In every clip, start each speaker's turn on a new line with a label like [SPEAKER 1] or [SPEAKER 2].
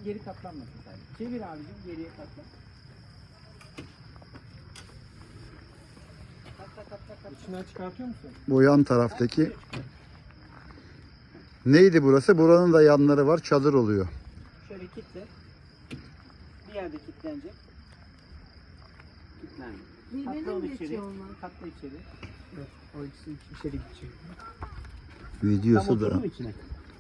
[SPEAKER 1] geri katlanmasın sadece. Çevir abicim, geriye katla. Katla. İçinden çıkartıyor musun?
[SPEAKER 2] Bu yan taraftaki neydi burası? Buranın da yanları var. Çadır oluyor.
[SPEAKER 1] Şöyle kitle. Bir yerde kilitlenecek. Kilitlendi.
[SPEAKER 3] Birbirine
[SPEAKER 1] Katla onu
[SPEAKER 3] mi
[SPEAKER 1] içeri.
[SPEAKER 3] geçiyor onlar?
[SPEAKER 1] Katla içeri. Evet, o ikisi içeri gidecek.
[SPEAKER 2] Videosu
[SPEAKER 1] Tam
[SPEAKER 2] da.
[SPEAKER 1] oturdu mu içine?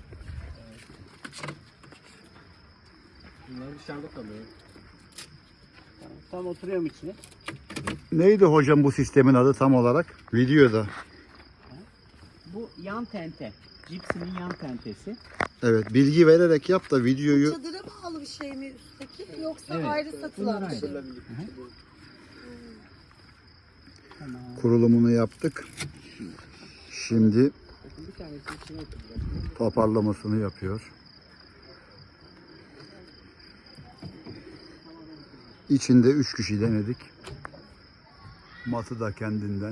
[SPEAKER 4] Bunlar dışarıda kalıyor.
[SPEAKER 1] Tam oturuyor mu içine?
[SPEAKER 2] Neydi hocam bu sistemin adı tam olarak? Videoda.
[SPEAKER 1] Bu yan tente. Cipsinin yan tentesi.
[SPEAKER 2] Evet, bilgi vererek yap da videoyu
[SPEAKER 3] Çadıra bağlı bir şey mi üstteki yoksa
[SPEAKER 1] Evet.
[SPEAKER 3] ayrı satılan bir şey mi?
[SPEAKER 1] Tamam.
[SPEAKER 2] kurulumunu yaptık. Şimdi
[SPEAKER 1] Bir tanesi içine oturacak.
[SPEAKER 2] toparlamasını yapıyor. İçinde 3 kişi denedik. Matı da kendinden.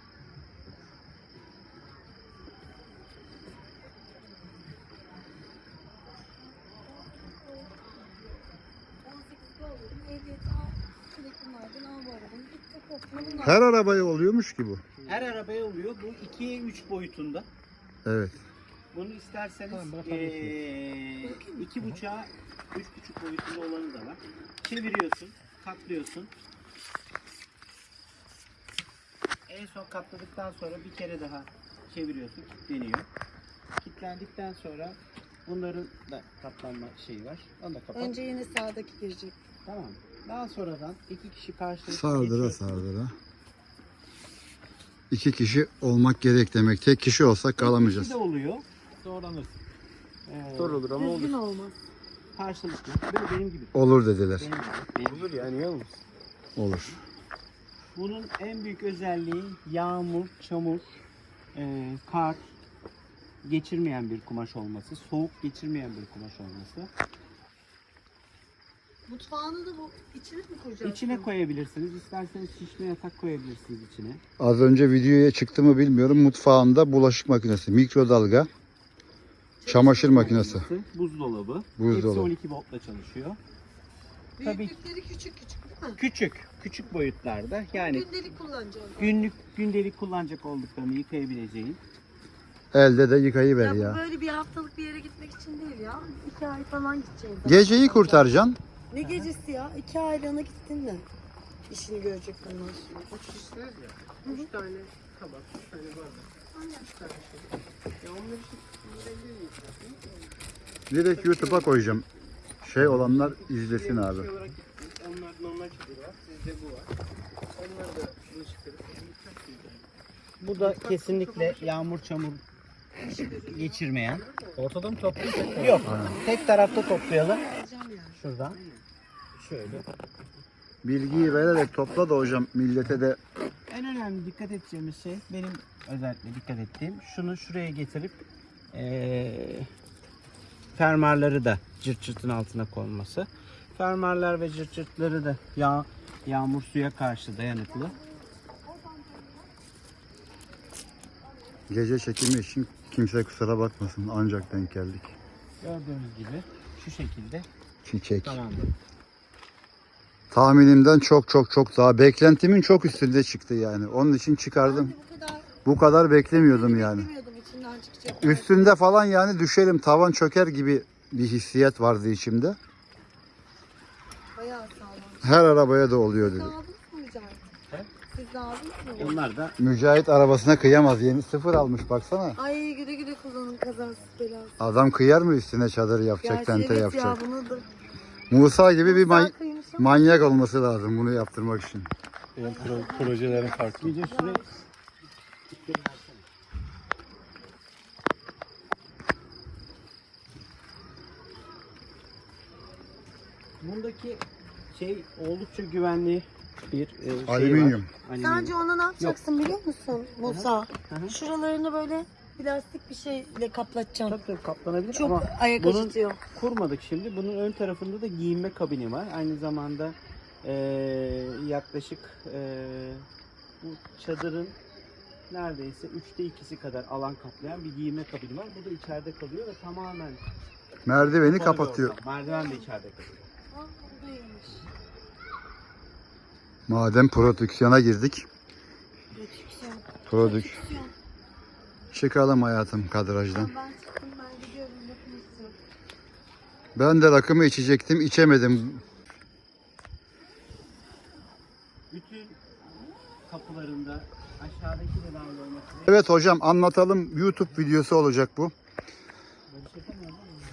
[SPEAKER 2] Her arabaya oluyormuş ki bu.
[SPEAKER 1] Her arabaya oluyor. Bu 2'ye 3 boyutunda.
[SPEAKER 2] Evet.
[SPEAKER 1] Bunu isterseniz
[SPEAKER 4] Tamam, bırakabilirsiniz.
[SPEAKER 1] 2,5'a 3,5 boyutunda olanı da var. Çeviriyorsun, katlıyorsun. En son katladıktan sonra bir kere daha çeviriyorsun, kilitleniyor. Kilitlendikten sonra bunların da katlanma şeyi var. Onu da kapat.
[SPEAKER 3] Önce yine sağdaki girecek.
[SPEAKER 1] Tamam. Daha sonradan 2 kişi karşılıklı
[SPEAKER 2] Sardıra
[SPEAKER 1] geçiyorsun.
[SPEAKER 2] sardıra. 2 kişi olmak gerek demek. Tek kişi olsak kalamayacağız.
[SPEAKER 1] İkisi de oluyor.
[SPEAKER 4] Zorlanırsın.
[SPEAKER 1] Zor
[SPEAKER 4] olur ama
[SPEAKER 3] Düzgün olmaz.
[SPEAKER 1] Karşılıklı. Böyle benim gibi.
[SPEAKER 2] Olur dediler.
[SPEAKER 1] Benim gibi. Benim gibi.
[SPEAKER 4] Yani yalnız.
[SPEAKER 2] Olur.
[SPEAKER 1] Bunun en büyük özelliği yağmur, çamur, kar geçirmeyen bir kumaş olması, soğuk geçirmeyen bir kumaş olması.
[SPEAKER 3] Mutfağını da bu içine mi koyacaksın?
[SPEAKER 1] İçine koyabilirsiniz. İsterseniz şişme yatak koyabilirsiniz içine.
[SPEAKER 2] Az önce videoya çıktı mı bilmiyorum. Mutfağında bulaşık makinesi, mikrodalga, çamaşır makinesi.
[SPEAKER 1] Buzdolabı.
[SPEAKER 2] Buzdolabı.
[SPEAKER 1] Hepsi 12 voltla çalışıyor. Tabii.
[SPEAKER 3] Büyüklükleri küçük küçük değil mi?
[SPEAKER 1] Küçük boyutlarda. Yani
[SPEAKER 3] Gündelik kullanacağım.
[SPEAKER 1] gündelik kullanacak olduklarını yıkayabileceğin.
[SPEAKER 2] Elde de yıkayıver
[SPEAKER 3] Ya bu
[SPEAKER 2] ya.
[SPEAKER 3] böyle bir haftalık bir yere gitmek için değil ya. 2 ay falan gideceğiz.
[SPEAKER 2] Geceyi kurtaracaksın.
[SPEAKER 3] Ne gecesi ya? 2 aylığına gittin mi? İşini görecek bunlar.
[SPEAKER 4] 3 kişisiniz ya. 3 tane tabak, 3 tane bardak. 3 tane şey. Ya onları
[SPEAKER 2] Direkt YouTube'a koyacağım. Şey olanlar izlesin abi.
[SPEAKER 4] şey olarak onlar normal çadır var. Sizde bu var. Onlar da şunu çıkarıp
[SPEAKER 1] Bu da kesinlikle yağmur çamur geçirmeyen.
[SPEAKER 4] ortada mı topluyorsun?
[SPEAKER 1] Yok. Tek tarafta toplayalım.
[SPEAKER 3] Alacağım yani.
[SPEAKER 1] Şuradan. Şöyle.
[SPEAKER 2] Bilgiyi vererek topla da hocam millete de
[SPEAKER 1] En önemli dikkat edeceğimiz şey, benim özellikle dikkat ettiğim, şunu şuraya getirip fermuarları da cırt cırtın altına konması. Fermuarlar ve cırt cırtları da yağmur suya karşı dayanıklı.
[SPEAKER 2] gece çekimi için kimse kusura bakmasın. Ancak denk geldik.
[SPEAKER 1] Gördüğünüz gibi şu şekilde.
[SPEAKER 2] Çiçek.
[SPEAKER 1] Tamamdır.
[SPEAKER 2] Tahminimden çok çok çok daha beklentimin çok üstünde çıktı yani. Onun için çıkardım.
[SPEAKER 3] Bu kadar
[SPEAKER 2] Bu kadar beklemiyordum yani.
[SPEAKER 3] beklemiyordum içinden çıkacak.
[SPEAKER 2] Üstünde falan yani düşerim, tavan çöker gibi bir hissiyat vardı içimde.
[SPEAKER 3] Bayağı sağlam.
[SPEAKER 2] Her arabaya da oluyor
[SPEAKER 3] Siz
[SPEAKER 2] dedi.
[SPEAKER 3] de aldınız mı Mücahit?
[SPEAKER 1] He?
[SPEAKER 3] Siz de aldınız mı?
[SPEAKER 1] Onlar da
[SPEAKER 2] Mücahit arabasına kıyamaz. Yeni sıfır almış baksana.
[SPEAKER 3] Ay güle güle kullanın kazasız belasız.
[SPEAKER 2] Adam kıyar mı üstüne çadır yapacak,
[SPEAKER 3] Gerçi
[SPEAKER 2] tente
[SPEAKER 3] evet
[SPEAKER 2] yapacak.
[SPEAKER 3] ya bunu da.
[SPEAKER 2] Musa gibi bir
[SPEAKER 3] Güzel kıymış ama.
[SPEAKER 2] manyak olması lazım bunu yaptırmak için.
[SPEAKER 4] Benim projelerim farklı.
[SPEAKER 1] gece şuraya bundaki şey oldukça güvenli bir şey
[SPEAKER 2] Alüminyum.
[SPEAKER 1] var.
[SPEAKER 3] Sence ona ne yapacaksın biliyor musun Musa?
[SPEAKER 1] Hı hı.
[SPEAKER 3] Şuralarını böyle plastik bir şeyle kaplatacaksın.
[SPEAKER 1] Tabii kaplanabilir
[SPEAKER 3] Çok
[SPEAKER 1] ama
[SPEAKER 3] ayak
[SPEAKER 1] bunun-
[SPEAKER 3] acıtıyor.
[SPEAKER 1] kurmadık şimdi. Bunun ön tarafında da giyinme kabini var. Aynı zamanda yaklaşık bu çadırın neredeyse 3'te 2'si kadar alan kaplayan bir giyinme kabini var. Bu da içeride kalıyor ve tamamen
[SPEAKER 2] Merdiveni
[SPEAKER 1] Kapalı bir
[SPEAKER 2] kapatıyor.
[SPEAKER 1] ortam. Merdiven de içeride kalıyor.
[SPEAKER 3] Ah, o da iyiymiş.
[SPEAKER 2] Madem prodüksiyona girdik.
[SPEAKER 3] Prodüksiyon.
[SPEAKER 2] Prodük.
[SPEAKER 3] Prodüksiyon.
[SPEAKER 2] Çıkalım hayatım kadrajdan.
[SPEAKER 3] Ben çıktım, ben gidiyorum. Bakın istiyorum.
[SPEAKER 2] Ben de rakımı içecektim, içemedim.
[SPEAKER 1] Bütün kapılarında aşağıdaki de dahil olmak üzere.
[SPEAKER 2] Evet hocam, anlatalım. YouTube videosu olacak bu.
[SPEAKER 1] Böyle çekemiyorum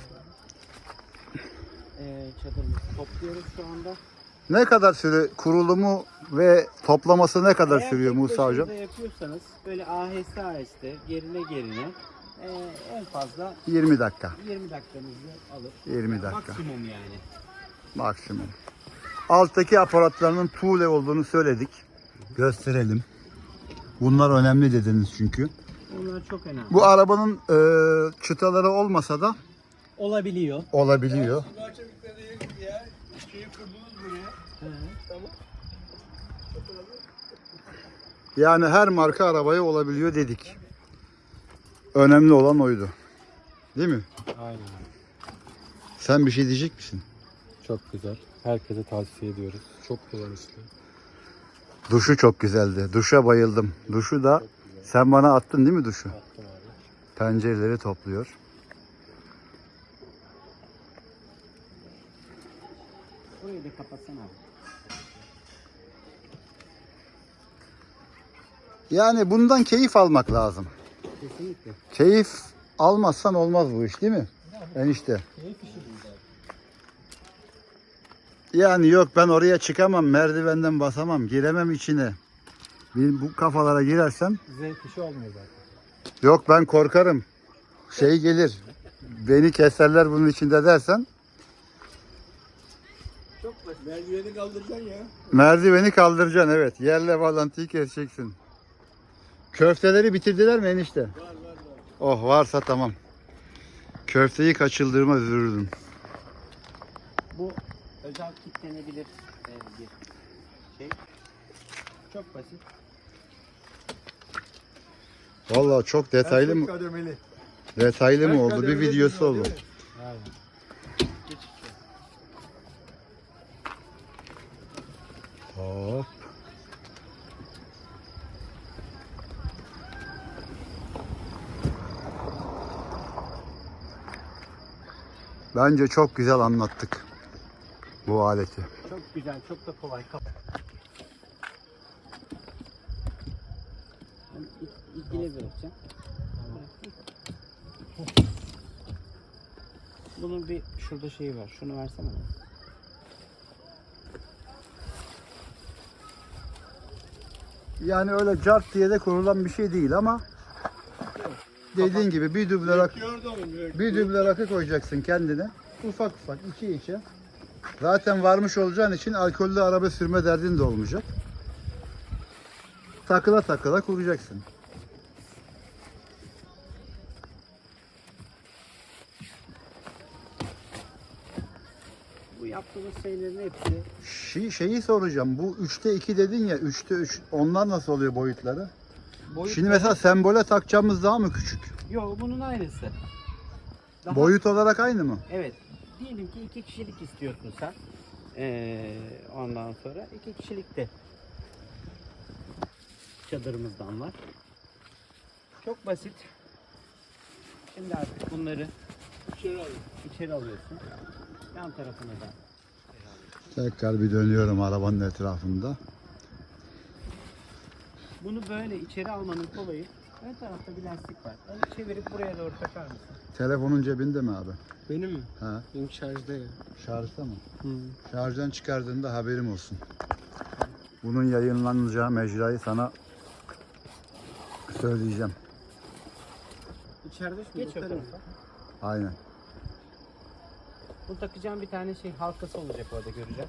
[SPEAKER 1] çadırımızı topluyoruz şu anda.
[SPEAKER 2] Ne kadar süre kurulumu ve toplaması ne kadar
[SPEAKER 1] Eğer
[SPEAKER 2] sürüyor
[SPEAKER 1] tek
[SPEAKER 2] Musa hocam?
[SPEAKER 1] başınıza yapıyorsanız böyle aheste aheste gerine gerine en fazla
[SPEAKER 2] 20 dakika.
[SPEAKER 1] 20 dakikanızı alır.
[SPEAKER 2] 20 dakika.
[SPEAKER 1] Maksimum yani.
[SPEAKER 2] Maksimum. Alttaki aparatlarının tuğle olduğunu söyledik. Gösterelim. Bunlar önemli dediniz çünkü.
[SPEAKER 1] Onlar çok önemli.
[SPEAKER 2] Bu arabanın çıtaları olmasa da
[SPEAKER 1] olabiliyor.
[SPEAKER 2] olabiliyor.
[SPEAKER 4] Şeyi kurdunuz buraya. Tamam.
[SPEAKER 2] Yani her marka arabaya olabiliyor dedik. Önemli olan oydu. Değil mi?
[SPEAKER 5] Aynen.
[SPEAKER 2] Sen bir şey diyecek misin?
[SPEAKER 5] Çok güzel. Herkese tavsiye ediyoruz. Çok kullanışlı.
[SPEAKER 2] Duşu çok güzeldi. Duşa bayıldım. Duşu da sen bana attın değil mi duşu?
[SPEAKER 5] Attım abi.
[SPEAKER 2] Pencereleri topluyor.
[SPEAKER 1] Burayı da kapatsana abi.
[SPEAKER 2] Yani bundan keyif almak lazım.
[SPEAKER 1] Kesinlikle.
[SPEAKER 2] Keyif almazsan olmaz bu iş değil mi? Enişte. Yani yok ben oraya çıkamam, merdivenden basamam, giremem içine. Bu kafalara girersem
[SPEAKER 5] Zevk işi olmuyor zaten.
[SPEAKER 2] yok ben korkarım. Şey gelir. Beni keserler bunun içinde dersen
[SPEAKER 4] Çok basit. Merdiveni kaldıracaksın ya.
[SPEAKER 2] merdiveni kaldıracaksın evet. Yerle bağlantıyı keseceksin. Köfteleri bitirdiler mi enişte?
[SPEAKER 4] Var.
[SPEAKER 2] Oh varsa tamam. Köfteyi kaçırdığıma üzülürdüm.
[SPEAKER 1] Bu özel kitlenebilir bir şey. Çok basit.
[SPEAKER 2] Vallahi çok detaylı mı?
[SPEAKER 4] Kademeli.
[SPEAKER 2] Detaylı mı
[SPEAKER 4] Kaç
[SPEAKER 2] oldu? Bir
[SPEAKER 4] kademeli
[SPEAKER 2] videosu
[SPEAKER 4] dünya,
[SPEAKER 2] oldu.
[SPEAKER 4] değil mi?
[SPEAKER 5] Aynen.
[SPEAKER 2] Hop. Bence çok güzel anlattık bu aleti.
[SPEAKER 1] Çok güzel, çok da kolay. Ben ilgili bırakacağım. Bunun bir şurada şeyi var. Şunu versene bana.
[SPEAKER 2] Yani öyle cart diye de kurulan bir şey değil ama dediğin gibi bir duble rakı,
[SPEAKER 4] Gördü onu.
[SPEAKER 2] bir duble rakı koyacaksın kendine. Ufak ufak içe. Zaten varmış olacağın için alkollü araba sürme derdin de olmayacak. Takıla takıla kuracaksın.
[SPEAKER 1] Bu yaptığımız şeylerin hepsi
[SPEAKER 2] Şeyi soracağım. Bu 3'te 2 dedin ya. 3'te 3. Onlar nasıl oluyor boyutları?
[SPEAKER 1] boyut.
[SPEAKER 2] Şimdi mesela sembole takacağımız daha mı küçük?
[SPEAKER 1] Yok, bunun aynısı. Daha-
[SPEAKER 2] Boyut olarak aynı mı?
[SPEAKER 1] Evet. Diyelim ki 2 kişilik istiyorsun sen. Ondan sonra 2 kişilik de çadırımızdan var. Çok basit. Şimdi artık bunları içeri alıyorsun. Yan tarafına da.
[SPEAKER 2] Tekrar bir dönüyorum arabanın etrafında.
[SPEAKER 1] Bunu böyle içeri almanın kolayı. Ön tarafta bir lastik var. Onu çevirip buraya doğru takar mısın?
[SPEAKER 2] Telefonun cebinde mi abi?
[SPEAKER 4] Benim mi?
[SPEAKER 2] Ha,
[SPEAKER 4] Benim şarjda ya.
[SPEAKER 2] şarjda mı?
[SPEAKER 4] Hı.
[SPEAKER 2] Şarjdan çıkardığında haberim olsun. Bunun yayınlanacağı mecrayı sana söyleyeceğim.
[SPEAKER 1] İçeride şu geç o tarafa.
[SPEAKER 2] Aynen.
[SPEAKER 1] Bu takacağım bir tane şey halkası olacak orada göreceğim.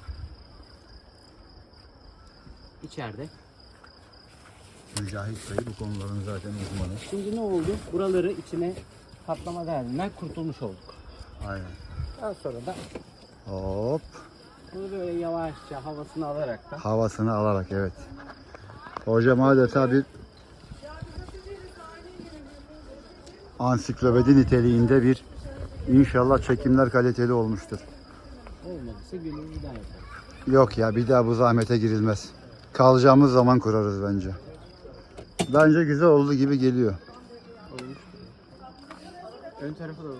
[SPEAKER 1] İçeride.
[SPEAKER 2] Mücahit Bey bu konuların zaten uzmanı.
[SPEAKER 1] Şimdi ne oldu? Buraları içine kaplama derdinden kurtulmuş olduk.
[SPEAKER 2] Aynen.
[SPEAKER 1] Daha sonra da
[SPEAKER 2] Hop.
[SPEAKER 1] bunu böyle yavaşça havasını alarak da
[SPEAKER 2] Havasını alarak evet. Hocam adeta bir ansiklopedi niteliğinde bir İnşallah çekimler kaliteli olmuştur.
[SPEAKER 1] Olmadıysa günümüzü bir daha yaparız.
[SPEAKER 2] Yok ya, bir daha bu zahmete girilmez. Kalacağımız zaman kurarız bence. Bence güzel oldu gibi geliyor.
[SPEAKER 4] Olmuş. Ön tarafı da olur.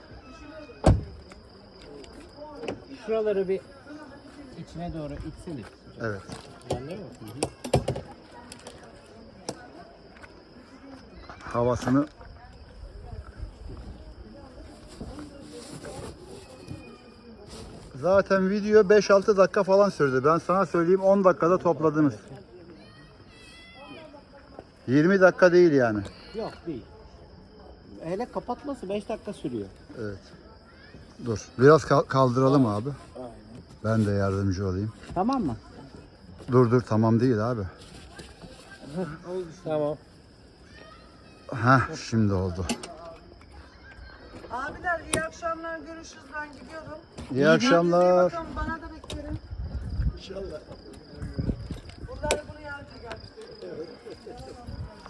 [SPEAKER 1] Şuraları bir içine doğru itsene.
[SPEAKER 2] Evet.
[SPEAKER 1] Anlıyor musun?
[SPEAKER 2] Havasını zaten video 5-6 dakika falan sürdü. Ben sana söyleyeyim, 10 dakikada topladınız. 20 dakika değil yani.
[SPEAKER 1] Yok değil. Hele kapatması 5 dakika sürüyor.
[SPEAKER 2] Evet. Dur. Biraz kaldıralım abi. Ben de yardımcı olayım.
[SPEAKER 1] Tamam mı?
[SPEAKER 2] Dur tamam değil abi.
[SPEAKER 4] Tamam.
[SPEAKER 2] Heh, şimdi oldu.
[SPEAKER 3] Abiler iyi akşamlar, görüşürüz, ben gidiyorum.
[SPEAKER 2] İyi akşamlar.
[SPEAKER 3] Bakalım, bana da beklerim. İnşallah. Bunları buraya alacak.